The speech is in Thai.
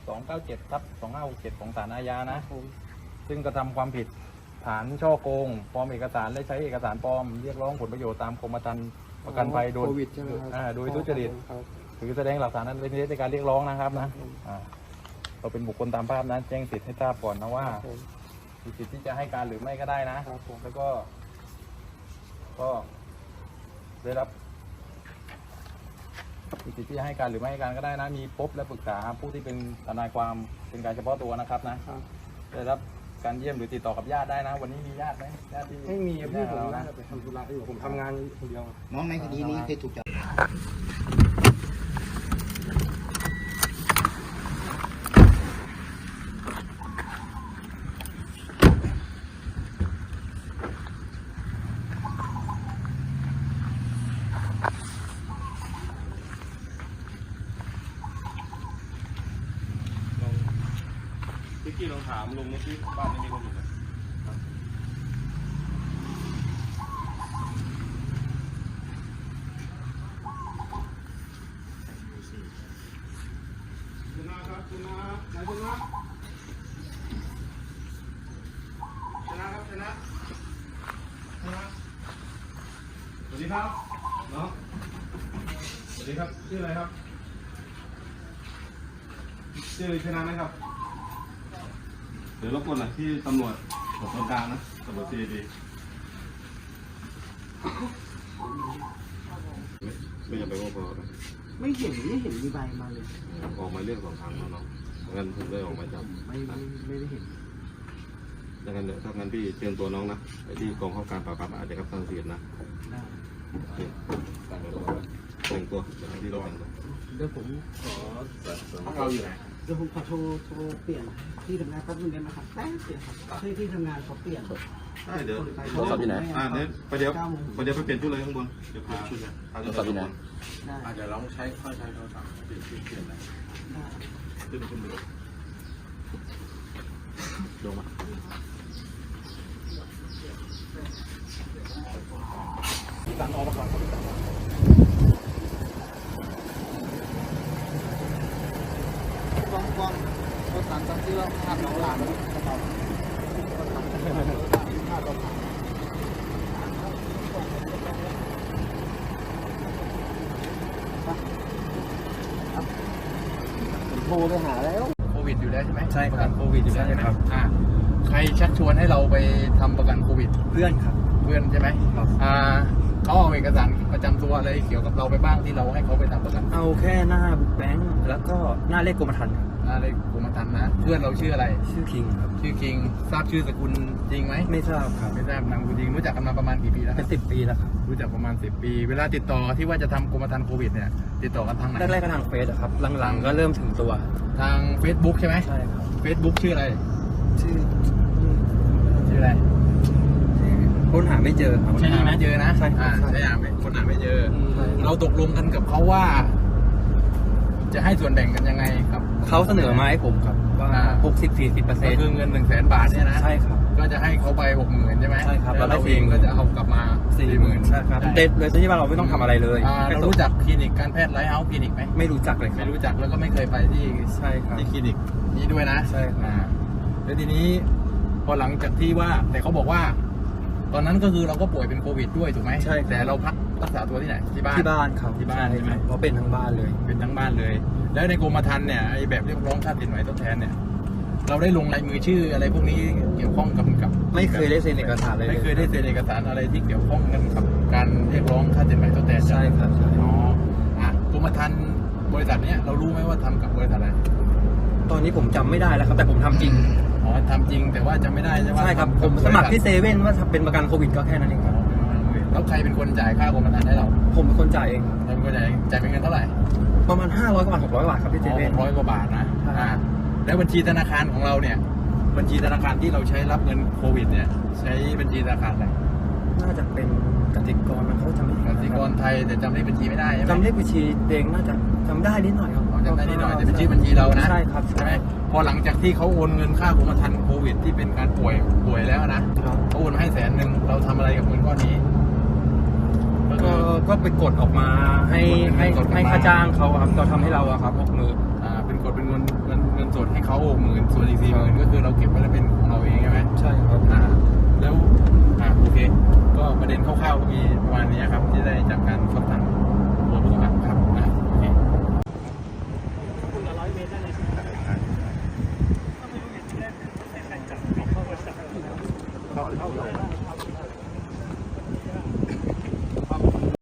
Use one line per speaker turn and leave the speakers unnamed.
297/2567ของศาลอาญานะซึ่งกระทำความผิดฐานช่อโกงปลอมเอกสารและใช้เอกสารปลอมเรียกร้องผลประโยชน์ตามกรมธรรม์ประกันภัยโดยโดยทุจริตหรือแสดงหลักฐานนั้นเป็นเท็จในการเรียกร้องนะครับนะเราเป็นบุคคลตามภาพนั้นแจ้งสิทธิ์ให้ทราบก่อนนะว่ามีสิทธิ์ที่จะให้การหรือไม่ก็ได้นะแล้วก็ได้รับมีสิทธิ์ที่จะให้การหรือไม่ให้การก็ได้นะมีพบและปรึกษาผู้ที่เป็นทนายความเป็นการเฉพาะตัวนะครับนะได้รับการเยี่ยมหรือติดต่อกับญาติได้นะวันนี้มีญาติไหมญาติที่
ไม่มีพี่ผมน่าจะไปทำธุระอยู่ผมทำงานคนเดียว
น้องในคดีนี้เคยถูกจับ
พี่ลองถามลุงว่าที่บ้านไม่มีคนอยู่ไหมชนะครับชนะไหนชนะชนะครับชนะสวัสดีครับน้องสวัสดีครับชื่ออะไรครับชื่อชนะไหมครับเดี๋ยวรบกวนหน่อยที่ตำรวจตรงกลางนะตำรวจซีดีไม่จำเป็นว่าพอ
ไม่เห็นมีใบมาเลย
ออกมาเรื่อง2 ครั้งแล้วเนาะงั้นผมได้ออกมาจับ
ไม่ได้เห็น
ดังนั้นถ้างั้นพี่เชิญตัวน้องนะไปที่กองข้าการปราบปรามอาชญากรรมทางเสียนะแต่งตัวที่เราแต่งตัว
เดี๋ยวผมขอ
เราอยู่ไหน
เดี๋ยวผมขอโทรเปลี่ยนที่ทำงานแป๊บนึงได้ไหมครับแป๊บเดียวครับที่ทำงานเขาเปลี่ยน
ได้เดี๋ยว
โทรศัพท์อยู่ไหน
เนี่ยไปเดี๋ยวไปเปลี่ยนชุดเลยข้างบนเดี๋ยวเปลี่ยนชุดเลย
โทรศัพท์อยู่ไหน
เดี๋ยวเราใช้โทรศัพท์เปลี่ยนอะไรขึ้นไปลงมา
ตัดออกมาก่อน
กองรถตัดที่เราทำน้องหลานโทรไปหาแล้ว
โควิดอยู่แล้วใช่ไหม
ใช่
ประกันโควิดอยู่แล้วใช่ไหม
ครับ
ใครชักชวนให้เราไปทำประกันโควิด
เพื่อนครับ
เพื่อนใช่ไหมเขาเอาเอกสารประจำตัวอะไรเกี่ยวกับเราไปบ้างที่เราให้เขาไปทำประกัน
เอาแค่หน้าแบงค์แล้วก็หน้าเลขกรมธรรม์
หน้าเลขกรมธรรม์นะเพื่อนเราชื่ออะไร
ชื่อคิงครับ
ชื่อคิงทราบชื่อสกุลจริงไหม
ไม่ทราบครับ
ไม่ทราบนามสกุลจริงรู้จักกันมาประมาณกี่ปีแล้ว
เป็น10 ปีแล้วครับ
รู้จักประมาณ10 ปีเวลาติดต่อที่ว่าจะทำกรมธรรม์โควิดเนี่ยติดต่อกันทางไหน
แรกๆก็ทางเฟซครับหลังๆก็เริ่มถึงตัว
ทาง Facebook ใช่ไหม
ใช่ครับ
Facebook ชื่ออะไร
ชื่อ
อะไร
ค้นหาไม่เจอ
ใช่หาไม่เจอนะ
ใช่
ใช่คนหาไม่เจอเราตกลงกันกับเขาว่าจะให้ส่วนแบ่งกันยังไงครับ
เขาเสนอมาให้ผมครับว่า60-40%
ก็คือเงิน100,000 บาทเนี่ยนะ
ใช่ครับ
ก็จะให้เขาไป 60,000ใช่ไหม
ใช่ครับ
แล้วเราเองก็จะเอากลับมา 40,000
ใช่ครับเด็ดเลยที่ว่าเราไม่ต้องทำอะไรเลย
เรารู้จักคลินิกการแพทย์ไลท์เฮาส์คลินิกไหม
ไม่รู้จักเลย
ไม่รู้จักแล้วก็ไม่เคยไปที่
ใช่ครับ
ที่คลินิกนี้ด้วยนะ
ใช่ครับ
แล้วทีนี้พอหลังจากที่ว่าแต่เขาบอกว่าตอนนั้นก็คือเราก็ป่วยเป็นโควิดด้วยถูกไหม
ใช่
แต่เราพักรักษาตัวที่ไหนที่บ้าน
ครับ
ที่บ้านใช่ไหม
เพราะเป็นทั้งบ้านเลย
เป็นทั้งบ้านเลยแล้วในกรมธรรม์เนี่ยไอ้แบบเรียกร้องค่าสินไหมทดแทนเนี่ยเราได้ลงลายมือชื่ออะไรพวกนี้เกี่ยวข้องกับ
ไม่เคยได้เซ็นเอกสารเลย
ไม่เคยได้เซ็นเอกสารอะไรที่เกี่ยวข้องกันกับการเรียกร้องค่าสินไหมทดแทน
ใช่ครับ
อ๋อกรมธรรม์บริษัทเนี้ยเรารู้ไหมว่าทำกับบริษัทอะไร
ตอนนี้ผมจำไม่ได้แล้วครับแต่ผมทำจริง
ทำจริงแต่ว่าจำไม่ได้ใช่ไหม
ใช่ครับผมสมัครที่เซเว่นว่าเป็นประกันโควิดก็แค่นั้นเองครับ
แล้วใครเป็นคนจ่ายค่ากรมธรรม์ให้เรา
ผมเป็นคนจ่ายเอง
เป็นคนจ่ายเป็นเงินเท่าไหร่
ประมาณ500 กว่าบาท600 บาทครับที่เซเว่น
600 กว่าบาทนะแล้วบัญชีธนาคารของเราเนี่ยบัญชีธนาคารที่เราใช้รับเงินโควิดเนี่ยใช้บัญชีธนาคารอะไร
น่าจะเป็นกสิกรนะเขาจำไม่ได้
กสิกรไทยแต่จำเลขบัญชีไม่ได้
จำเลขบัญชีเองน่าจะจำได้นิดหน่อยครับ
จำได้นิดหน่อยแต่เป็นชื่อบัญชีเรานะ
ใช่ครับ
ใช่ไหมพอหลังจากที่เขาโอนเงินค่ากรมธรรม์โควิดที่เป็นการป่วยแล้วนะเขาโอนให้100,000เราทำอะไรกับเงินก้อนนี้
ก็ไปกดออกมาให้ค่าจ้างเขาครับเราทำให้เราครับ60,000
ไปเป็นกดเป็นเงินสดให้เขา60,000ส่วนอีก40,000ก็คือเราเก็บไว้แล้วเป็นของเราเองใช่ไหม
ใช่ครับ
แล้วโอเค ก็ประเด็นคร่าวๆก็มีประมาณนี้ครับที่ได้จากการสอบถามตัวผู้ต้องหาครับโอเค
คุณละ100 เมตรได้เลยเข้า